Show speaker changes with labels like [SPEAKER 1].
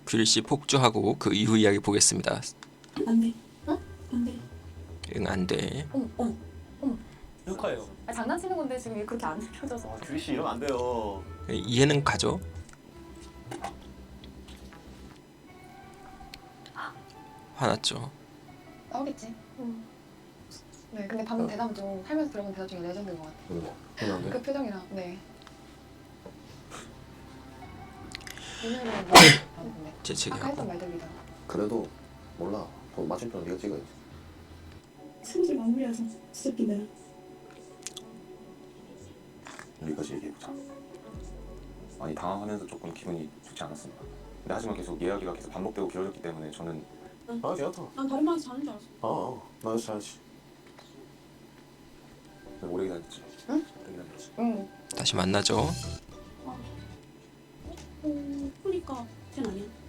[SPEAKER 1] 귤씨 폭주하고 그 이후 이야기 보겠습니다.
[SPEAKER 2] 안 돼.
[SPEAKER 3] 응?
[SPEAKER 2] 안 돼.
[SPEAKER 1] 응, 안 돼.
[SPEAKER 3] 어머.
[SPEAKER 4] 축하해요.
[SPEAKER 3] 아, 장난치는 건데 지금 그렇게 안 펴져서.
[SPEAKER 4] 규리 씨 이러면 안 돼요.
[SPEAKER 1] 이해는 가죠? 화났죠?
[SPEAKER 5] 나오겠지. 네, 근데 방금 대답도 살면서 들어본 대답 중에 레전드인 것 같아요.
[SPEAKER 6] 그런데
[SPEAKER 5] 그 표정이랑, 네. 오늘은 뭐 봤는데 아까
[SPEAKER 1] 재채기하고.
[SPEAKER 5] 했던 말들이다.
[SPEAKER 6] 그래도 몰라. 마침표는 네가 찍어야지.
[SPEAKER 2] 슬슬 마무리하자. 진짜 기다려.
[SPEAKER 6] 여기까지 얘기해보자. 아니 당황하면서 조금 기분이 좋지 않았습니다. 근데 하지만 계속 이야기가 계속 반복되고 길어졌기 때문에 저는 아 괜찮다.
[SPEAKER 2] 난 다른 말에서 자는 줄 알았어.
[SPEAKER 6] 나 여기서 자야지. 오래 기다렸지.
[SPEAKER 5] 응?
[SPEAKER 6] 오래 기다렸지.
[SPEAKER 1] 다시 만나죠.
[SPEAKER 2] 보니까 쟤 아니야.